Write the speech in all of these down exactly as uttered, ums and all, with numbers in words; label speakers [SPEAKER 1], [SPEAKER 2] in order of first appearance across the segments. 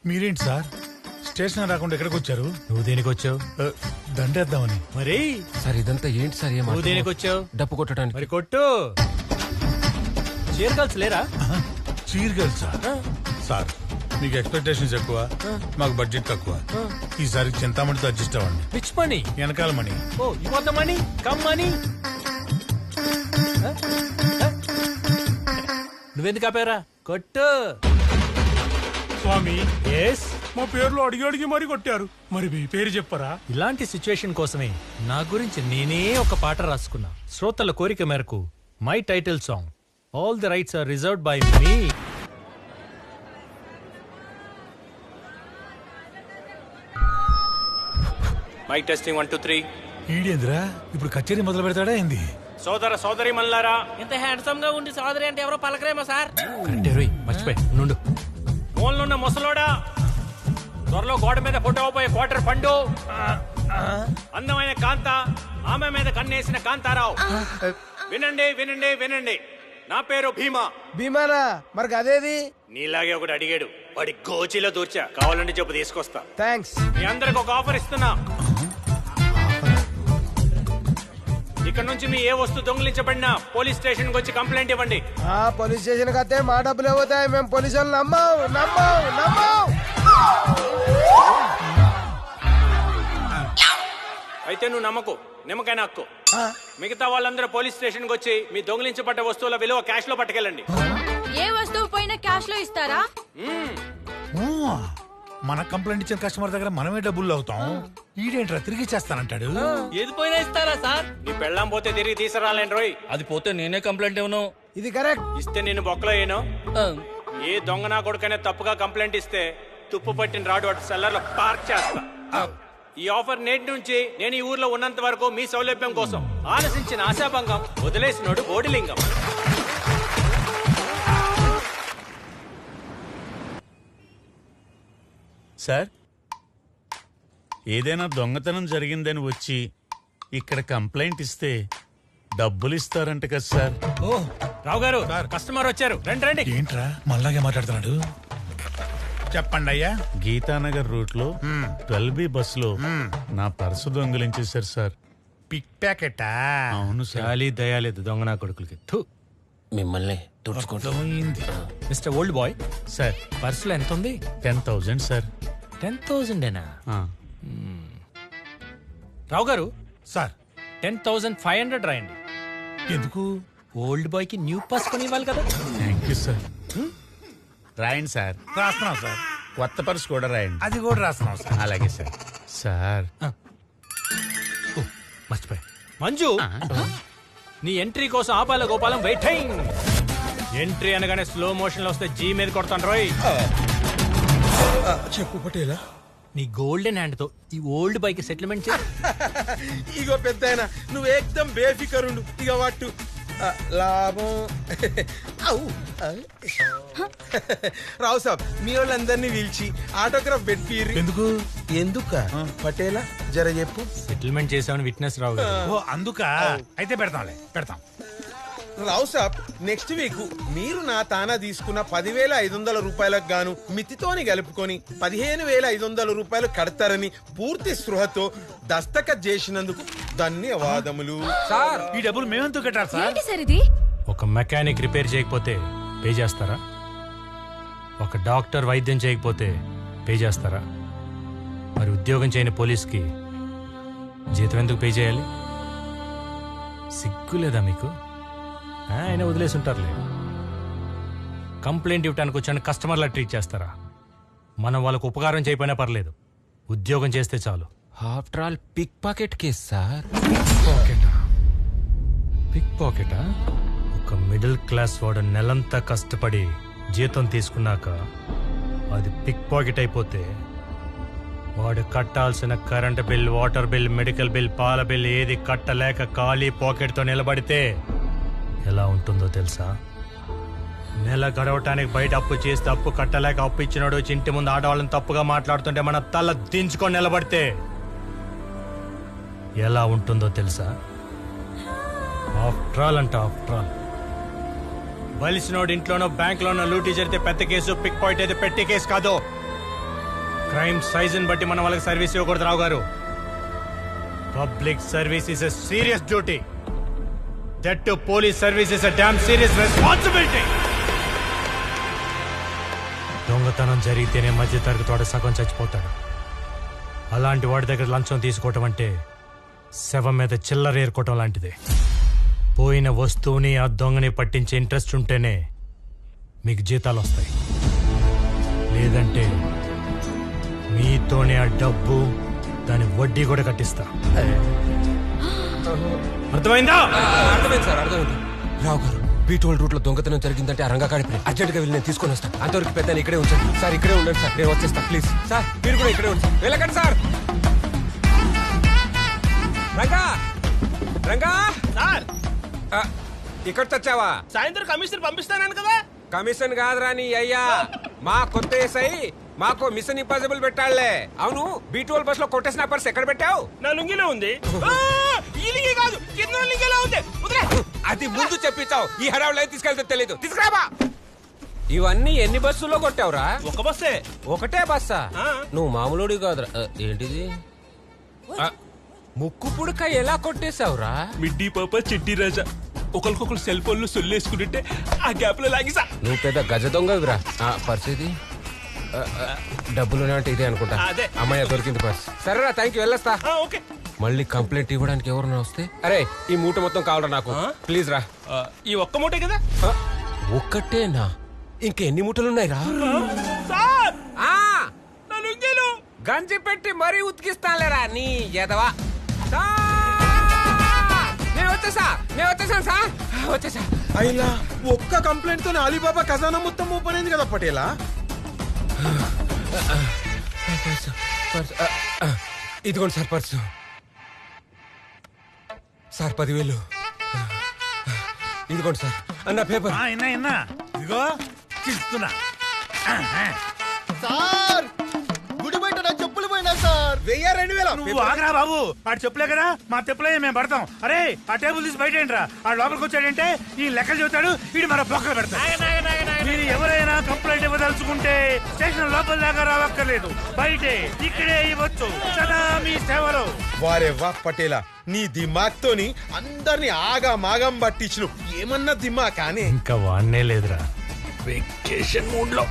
[SPEAKER 1] మీరేంటి sir station రాకుండా ఎక్కడికి వచ్చారు?
[SPEAKER 2] నువ్వు దేనికి వచ్చావు?
[SPEAKER 1] దండేద్దామని.
[SPEAKER 2] మరి
[SPEAKER 3] సార్ ఇదంతా ఏంటి సార్?
[SPEAKER 2] నువ్వు దేనికి వచ్చావు?
[SPEAKER 3] డప్పు కొట్టడానికి.
[SPEAKER 2] మరి కొట్టు. చీర్ గర్ల్స్ లేరా?
[SPEAKER 1] Cheer girls sir. సార్ మీకు ఎక్స్పెక్టేషన్స్ ఎక్కువ, మాకు బడ్జెట్ తక్కువ. ఈసారి చింతామణితో అడ్జస్ట్ అవ్వండి.
[SPEAKER 2] Which money?
[SPEAKER 1] వెనకాల money.
[SPEAKER 2] Oh you want the money? Come money. నువ్వెందుకు ఆపారా? కొట్టు.
[SPEAKER 1] స్వామి
[SPEAKER 2] ఎస్,
[SPEAKER 1] మా పేర్లు అడిగి అడిగి మరీ కొట్టారు. మరి మీ పేరు చెప్పరా?
[SPEAKER 2] ఇలాంటి సిచ్యువేషన్ కోసమే నా గురించి నేనే ఒక పాట రాసుకున్నా. శ్రోతల కోరిక మేరకు my title song all the rights are reserved by me. My testing one two three.
[SPEAKER 1] ఈడేంద్రా ఇప్పుడు కచేరీ మొదలు పెడతాడా ఏంది?
[SPEAKER 2] సోదర సోదరి మల్లారా,
[SPEAKER 4] ఇంత హ్యాండ్సమ్ గా ఉండి సోదరి అంటే ఎవరో పలకరేమో సార్.
[SPEAKER 2] కరెక్టే రోయ్, మర్చిపోయి నుండు. ఫోన్లున్న ముసలోడా, త్వరలో గోడ మీద ఫోటో పోయే క్వార్టర్ పండు, అందమైన కాంత, ఆమె మీద కన్నేసిన కాంతారావు. వినండి వినండి వినండి, నా పేరు భీమా.
[SPEAKER 5] భీమానా? మరి అదేది?
[SPEAKER 2] నీలాగే ఒకటి అడిగాడు, వాడి గోచిలో దూర్చా. కావాలంటే చెప్పు తీసుకొస్తా.
[SPEAKER 5] థ్యాంక్స్.
[SPEAKER 2] మీ అందరికి ఒక ఆఫర్ ఇస్తున్నా. ఇక్కడ నుంచి మీ ఏ వస్తువు దొంగిలించబడినా పోలీస్ స్టేషన్ వచ్చి కంప్లైంట్ ఇవ్వండి.
[SPEAKER 5] ఆ పోలీస్ స్టేషన్ కతే మా డబ్బులు పోతాయి. మేము పోలీసు వాళ్ళు నమ్మవు నమ్మవు నమ్మవు.
[SPEAKER 2] అయితే నువ్వు నమ్మకు, నిమ్మకాయ నాక్కు. మిగతా వాళ్ళందరూ పోలీస్ స్టేషన్ వచ్చి మీ దొంగిలించబడ్డ వస్తువుల విలువ క్యాష్ లో పట్టుకెళ్ళండి.
[SPEAKER 6] ఏ వస్తువు పోయినా క్యాష్ లో ఇస్తారా?
[SPEAKER 1] మన కంప్లైంట్ ఇచ్చిన కస్టమర్ దగ్గర మనమే డబ్బులు అవుతాం. ఈడేంట్రా తిరిగి చేస్తానంటాడు.
[SPEAKER 4] ఏది పోయినా ఇస్తారా సార్?
[SPEAKER 2] నీ పెళ్ళాం పోతే తిరిగి తీసుకురాలేను రోయ్.
[SPEAKER 4] అది పోతే నేనే కంప్లైంట్ ఇవ్వను.
[SPEAKER 5] ఇది కరెక్ట్.
[SPEAKER 2] ఇస్తే నేను బొక్కలో ఏను. ఏ దొంగ నా కొడుకనే తప్పుగా కంప్లైంట్ ఇస్తే తుప్పు పట్టిన రాడు వాటి సెల్లర్ లో పార్క్ చేస్తా. ఈ ఆఫర్ నేటి నుంచి నేను ఈ ఊర్లో ఉన్నంత వరకు మీ సౌలభ్యం కోసం. ఆలసించిన ఆశాభంగం, వదిలేసినోడు బోడిలింగం.
[SPEAKER 7] సార్, ఏదైనా దొంగతనం జరిగిందని వచ్చి ఇక్కడ కంప్లైంట్ ఇస్తే డబ్బులు ఇస్తారంట కదా సార్?
[SPEAKER 2] ఓ రావు గారు, కస్టమర్ వచ్చారు, రండి రండి.
[SPEAKER 1] ఏంట్రా మళ్ళాగే మాట్లాడుతున్నాడు? చెప్పండి అయ్యా.
[SPEAKER 7] గీతానగర్ రూట్ లో ట్వెల్వ్ బి బస్ లో నా పర్సు దొంగిలించేశారు సార్.
[SPEAKER 1] పిక్ ప్యాకెటా?
[SPEAKER 7] అవును సార్.
[SPEAKER 2] చాలీ దయాలేదు దొంగ నా కొడుకులకి. థు.
[SPEAKER 3] మిమ్మల్ని తుడుచుకుంటాం.
[SPEAKER 2] మిస్టర్ ఓల్డ్ బాయ్,
[SPEAKER 7] సార్
[SPEAKER 2] పర్సులో ఎంత ఉంది?
[SPEAKER 7] Ten thousand sir.
[SPEAKER 2] టెన్ థౌజండేనా?
[SPEAKER 7] ఆ.
[SPEAKER 2] రావు గారు,
[SPEAKER 1] sir
[SPEAKER 2] ten thousand five hundred రాయండి.
[SPEAKER 1] ఎందుకు?
[SPEAKER 2] ఓల్డ్ బాయ్ కి న్యూ పాస్ కొని ఇవ్వాలి కదా.
[SPEAKER 7] Thank you sir. రాయండి సార్.
[SPEAKER 1] రాస్తున్నాం సార్.
[SPEAKER 7] కొత్త పర్సు కూడా రాయండి.
[SPEAKER 1] అది కూడా రాస్తున్నాం సార్.
[SPEAKER 7] అలాగే సార్. సార్
[SPEAKER 2] మర్చిపోయా. మంజు, నీ ఎంట్రీ కోసం ఆపాల గోపాలం వెయిటింగ్. ఎంట్రీ అనగానే స్లో మోషన్ లో వస్తే జీ మీద కొడతాను రోయ్.
[SPEAKER 5] చెప్పు పటేలా.
[SPEAKER 2] నీ గోల్డెన్ హ్యాండ్ తో ఈ ఓల్డ్ బైక్ సెటిల్మెంట్ చేయి.
[SPEAKER 5] ఇగో పెద్దాయన, నువ్వు ఏకదం బేఫికరుండు. ఇక వాటు లాభం. రావు సాబ్, మీ వాళ్ళందరినీ పిలిచి ఆటోగ్రాఫ్ పెట్టిర్రు.
[SPEAKER 1] ఎందుకు?
[SPEAKER 5] ఎందుక పటేలా జర చెప్పు.
[SPEAKER 2] సెటిల్మెంట్ చేసామని విట్నెస్ రావు గారు.
[SPEAKER 1] ఓ అందుక. అయితే పెడతాంలే, పెడతాం.
[SPEAKER 5] రావు సాబ్, నెక్స్ట్ వీక్ మీరు నా తానా తీసుకున్న పదివేల ఐదు వందల రూపాయలకు గాను మితితోని కలుపుకొని పదిహేను వేల ఐదు వందల రూపాయలు కడతారని పూర్తి స్పృహతో దస్తఖత్ చేసినందుకు ధన్యవాదములు.
[SPEAKER 1] ఈ డబ్బులు మేమెందుకు కట్టారు సార్?
[SPEAKER 6] ఏంటి సార్ ఇది?
[SPEAKER 2] ఒక మెకానిక్ రిపేర్ చేయకపోతే పే చేస్తారా? ఒక డాక్టర్ వైద్యం చేయకపోతే పే చేస్తారా? మరి ఉద్యోగం చేయని పోలీస్కి జీతం ఎందుకు పే చేయాలి? సిగ్గు లేదా మీకు? ఆయన వదిలేసి ఉంటారులే. కంప్లైంట్ ఇవ్వడానికి వచ్చాను కస్టమర్లా ట్రీట్ చేస్తారా? మనం వాళ్ళకు ఉపకారం చేయకపోయినా పర్లేదు, ఉద్యోగం చేస్తే చాలు.
[SPEAKER 3] After all pick pocket case sir.
[SPEAKER 2] పాకెటా? పిక్ పాకెటా? ఒక మిడిల్ క్లాస్ వాడు నెలంతా కష్టపడి జీతం తీసుకున్నాక అది పిక్ పాకెట్ అయిపోతే వాడు కట్టాల్సిన current bill, water bill, medical bill, పాల బిల్ ఏది కట్టలేక ఖాళీ పాకెట్తో నిలబడితే ఎలా ఉంటుందో తెలుసా? నెల గడవటానికి బయట అప్పు చేస్తే అప్పు కట్టలేక అప్పు ఇచ్చినాడు వచ్చి ఇంటి ముందు ఆడవాళ్ళని తప్పుగా మాట్లాడుతుంటే మన తల దించుకొని నిలబడితే ఎలా ఉంటుందో తెలుసా? ఆఫ్టర్ ఆల్ అంట ఆఫ్టర్ ఆల్. బలిసినోడు ఇంట్లోనో బ్యాంక్ లోనో లూటీ జరిగితే పెద్ద కేసు, పిక్ పాయింట్ అయితే పెట్టి కేసు కాదు. క్రైమ్ సైజ్ బట్టి మనం వాళ్ళకి సర్వీస్ ఇవ్వకూడదు రావు గారు. Public service is a serious duty. That too police service is a damn serious responsibility. దొంగతనం జరిగితేనే మధ్య తరగతి వాడు సగం చచ్చిపోతాడు. అలాంటి వాడి దగ్గర లంచం తీసుకోవటం అంటే శవం మీద చిల్లర ఏరుకోవటం లాంటిదే. పోయిన వస్తువుని ఆ దొంగని పట్టించే ఇంట్రెస్ట్ ఉంటేనే మీకు జీతాలు వస్తాయి. లేదంటే మీతోనే ఆ డబ్బు దాని వడ్డీ కూడా కట్టిస్తా. అర్థమైందా?
[SPEAKER 3] అర్థమైంది సార్, అర్థమైంది. రావు గారు, బీటోల్ రూట్ లో దొంగతనం జరిగిందంటే ఆ రంగా కాడిపోయి అర్జెంట్ గా వెళ్ళి నేను తీసుకొని వస్తాను. అంతవరకు పెద్ద ఇక్కడే ఉంచండి సార్. ఇక్కడే ఉండండి సార్, నేను వచ్చేస్తా ప్లీజ్. సార్ మీరు కూడా ఇక్కడే ఉంచండి. వెళ్ళకండి సార్. రంగా రంగా
[SPEAKER 4] సార్
[SPEAKER 3] ఆ, ఇక్కడ తెచ్చావా?
[SPEAKER 4] సాయంత్రం కమిషన్ పంపిస్తాను కదా.
[SPEAKER 3] కమిషన్ కాదురా నీ అయ్యా, మా కొత్త ఏసై మాకు మిషన్ ఇంపాసిబుల్ పెట్టాళ్లే. అవును, బీటోల్ బస్ లో కొట్టేసిన పర్స్ ఎక్కడ పెట్టావు?
[SPEAKER 4] నా లుంగిలో ఉంది. ఈ లింగి కాదు, కింద లింగిలో ఉంది. వదిలే.
[SPEAKER 3] అది ముందు చెప్పించావు, ఈ హడావులు అయితే తీసుకెళ్తే తెలీదు. తీసుకురాబా. ఇవన్నీ ఎన్ని బస్సుల్లో కొట్టావురా?
[SPEAKER 4] ఒక బస్సే.
[SPEAKER 3] ఒకటే బస్సా?
[SPEAKER 4] ఆ.
[SPEAKER 3] నువ్వు మామూలుడి కాదురా. ఆ, ఏంటిది? ఆ, ముక్కు పుడక ఎలా కొట్టేశావురా?
[SPEAKER 4] మిడ్డీ పాప చిట్టి రాజా ఒకరికొకరు సెల్ ఫోన్లు సొల్లేసుకుంటుంటే ఆ గ్యాప్ లో లాగిసా.
[SPEAKER 3] నువ్వు పెద్ద గజ దొంగవిరా. పరిస్థితి డబ్బులు అంటే ఇదే అనుకుంటా.
[SPEAKER 4] అదే.
[SPEAKER 3] అమ్మాయి దొరికింది పర్స్. సరేరా, థ్యాంక్ యూ, వెళ్ళొస్తా.
[SPEAKER 4] ఓకే.
[SPEAKER 3] మళ్ళీ కంప్లైంట్ ఇవ్వడానికి ఎవరన్నా వస్తే, అరే ఈ మూట మొత్తం కావాలరా నాకు, ప్లీజ్ రా.
[SPEAKER 4] ఈ ఒక్క మూటే కదా
[SPEAKER 3] ఆ, ఒక్కటేనా? ఇంకెన్ని మూటలున్నాయి రా?
[SPEAKER 4] సార్.
[SPEAKER 3] ఆ,
[SPEAKER 4] నా లుంగిలో
[SPEAKER 3] గంజి పెట్టి మరీ ఉతికిస్తానులేరా నీ ఎదవా. నేను వచ్చేసా నేను వచ్చేసాను సార్, వచ్చేసా.
[SPEAKER 5] అయిలా ఒక్క కంప్లైంట్ తో అలీబాబా ఖజానా మొత్తం ఓపెన్ అయింది కదా పటేలా.
[SPEAKER 3] పర్సు, పర్సు, ఆ, ఆ, ఇదిగోండి సార్ పర్సు. సార్ పదివేలు. ఇదిగోండి సార్ అన్న పేపర్.
[SPEAKER 7] ఇన్నా ఇన్నా ఇదిగో తీస్తున్నా.
[SPEAKER 5] సార్ గుడి బయట నా చెప్పులు పోయినా సార్. వెయ్యి రెండు వేల.
[SPEAKER 7] నువ్వు ఆగరా బాబు, ఆడు చెప్పులే కదా మా చెప్పులే మేము పడతాం. అరే ఆ టేబుల్ తీసి బయట ఏంట్రా, ఆ లోపలికి వచ్చాడంటే ఈ లెక్కలు చెబుతాడు, వీడు మన బొక్కలు పెడతాడు. మీరు ఎవరైనా కంప్లైంట్ ఇవ్వదలుచుకుంటే స్టేషన్ లోపల దాకా రావక్కర్లేదు, బయటే ఇక్కడే ఇవ్వచ్చు. సదా మీ సేవలో.
[SPEAKER 5] వారే వా పటేలా, నీ దిమాగ్ తోని అందరిని ఆగా మాగం పట్టించు. ఏమన్నా దిమాగ్ కానీ
[SPEAKER 2] ఇంకా వాడనే లేదురా.
[SPEAKER 7] వెకేషన్ మూడ్ లో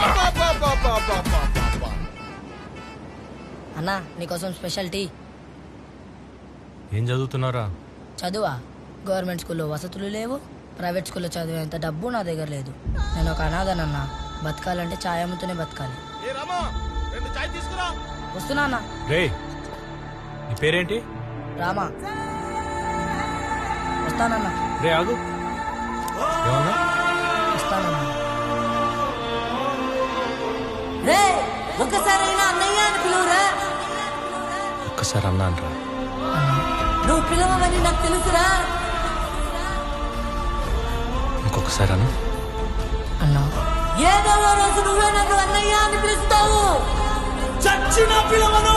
[SPEAKER 8] అన్నా నీకోసం స్పెషల్ టీ.
[SPEAKER 2] ఏం చదువుతున్నారా?
[SPEAKER 8] చదువా? గవర్నమెంట్ స్కూల్లో వసతులు లేవు, ప్రైవేట్ స్కూల్లో చదివేంత డబ్బు నా దగ్గర లేదు. నేను ఒక అనాథనన్నా, బతకాలంటే ఛాయ్ అమ్ముతూనే బతకాలి. వస్తున్నా అన్నా.
[SPEAKER 2] రే నీ పేరేంటి?
[SPEAKER 8] రామా. వస్తానన్నా.
[SPEAKER 2] రే ఆగు. ఏమన్నా?
[SPEAKER 8] వస్తానన్నా. రే ఒకసారైనా అన్నయ్య అని పిలువురా.
[SPEAKER 2] ఒక్కసారి అన్నాను రా.
[SPEAKER 8] నువ్వు పిలవమని నాకు తెలుసురా.
[SPEAKER 2] ఇంకొకసారి అన్న.
[SPEAKER 8] అన్నా ఏదో ఓ రోజు నువ్వే నన్ను అన్నయ్య అని పిలుస్తావు. చచ్చిన పిలవను.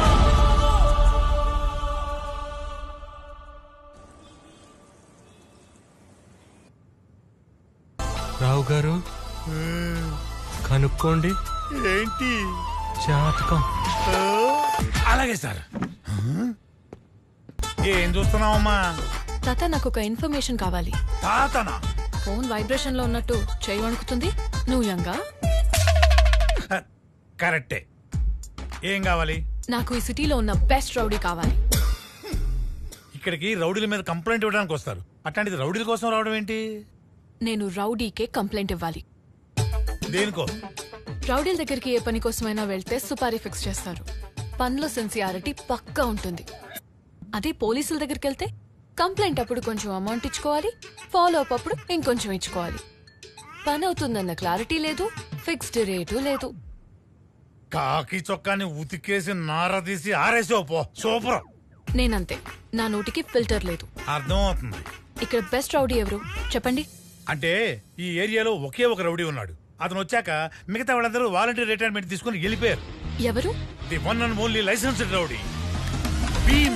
[SPEAKER 2] రావు గారు కనుక్కోండి.
[SPEAKER 7] ఏంటి?
[SPEAKER 2] జాతకం.
[SPEAKER 7] అలాగే సార్. ఏం చూస్తున్నావమ్మా?
[SPEAKER 6] తాత నాకు ఒక ఇన్ఫర్మేషన్ కావాలి.
[SPEAKER 7] తాతనా?
[SPEAKER 6] ఫోన్ వైబ్రేషన్ లో ఉన్నట్టు చేయి వణుకుతుంది. నువ్వు యంగా?
[SPEAKER 7] కరెక్టే. ఏం కావాలి?
[SPEAKER 6] నాకు ఈ సిటీలో ఉన్న బెస్ట్ రౌడీ కావాలి.
[SPEAKER 7] ఇక్కడికి రౌడీల మీద కంప్లైంట్ ఇవ్వడానికి వస్తారు, అట్లాంటిది రౌడీల కోసం రావడం ఏంటి?
[SPEAKER 6] నేను రౌడీకే కంప్లైంట్ ఇవ్వాలి.
[SPEAKER 7] దేనికో?
[SPEAKER 6] రౌడీల దగ్గరికి ఏ పని కోసమైనా వెళ్తే సుపారీ ఫిక్స్ చేస్తారు. పనిలో సిన్సియారిటీ పక్కా ఉంటుంది. అదే పోలీసుల దగ్గరికి వెళ్తే కంప్లైంట్ అప్పుడు కొంచెం అమౌంట్ ఇచ్చుకోవాలి, ఫాలో అప్ అప్పుడు ఇంకొంచెం ఇచ్చుకోవాలి. పని అవుతుందన్న క్లారిటీ లేదు, ఫిక్స్డ్ రేటు లేదు.
[SPEAKER 7] కాకి చొక్కాని ఉతికేసి నార తీసి ఆరేసావు పో. సూపర్.
[SPEAKER 6] నేనంతే, నా నోటికి ఫిల్టర్ లేదు.
[SPEAKER 7] అర్థం అవుతుంది.
[SPEAKER 6] ఇక్కడ బెస్ట్ రౌడీ ఎవరు చెప్పండి.
[SPEAKER 7] అంటే ఈ ఏరియాలో ఒకే ఒక రౌడీ ఉన్నాడు. అతను వచ్చాక మిగతా వాళ్ళందరూ వాలంటీర్ రిటైర్మెంట్ తీసుకుని వెళ్ళిపోయారు.
[SPEAKER 6] ఎవరు?
[SPEAKER 7] The one and only licensed rowdy.